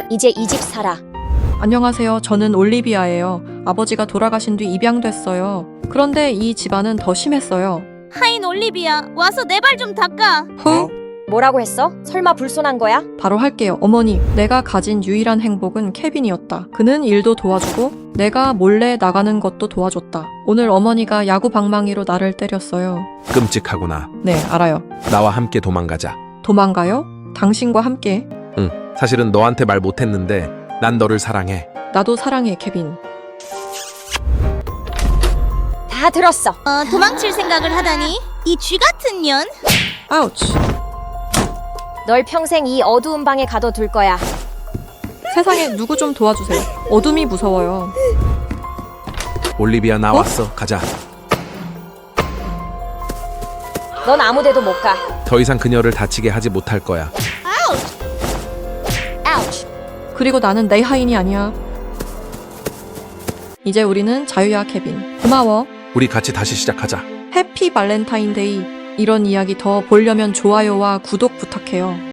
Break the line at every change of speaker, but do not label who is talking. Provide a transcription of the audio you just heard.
이제 이 집 살아.
안녕하세요. 저는 올리비아예요. 아버지가 돌아가신 뒤 입양됐어요. 그런데 이 집안은 더 심했어요.
하인 올리비아, 와서 내 발 좀 닦아.
후!
뭐라고 했어? 설마 불손한 거야?
바로 할게요. 어머니, 내가 가진 유일한 행복은 케빈이었다. 그는 일도 도와주고 내가 몰래 나가는 것도 도와줬다. 오늘 어머니가 야구 방망이로 나를 때렸어요.
끔찍하구나.
네, 알아요.
나와 함께 도망가자.
도망가요? 당신과 함께.
응, 사실은 너한테 말 못했는데 난 너를 사랑해.
나도 사랑해, 케빈.
다 들었어.
도망칠 생각을 하다니? 이 쥐 같은 년?
아우치.
널 평생 이 어두운 방에 가둬둘 거야.
세상에 누구 좀 도와주세요. 어둠이 무서워요.
올리비아 나왔어. 가자.
넌 아무 데도 못 가.
더 이상 그녀를 다치게 하지 못할 거야.
아우치.
그리고 나는 내 하인이 아니야. 이제 우리는 자유야, 케빈. 고마워.
우리 같이 다시 시작하자.
해피 발렌타인데이. 이런 이야기 더 보려면 좋아요와 구독 부탁해요.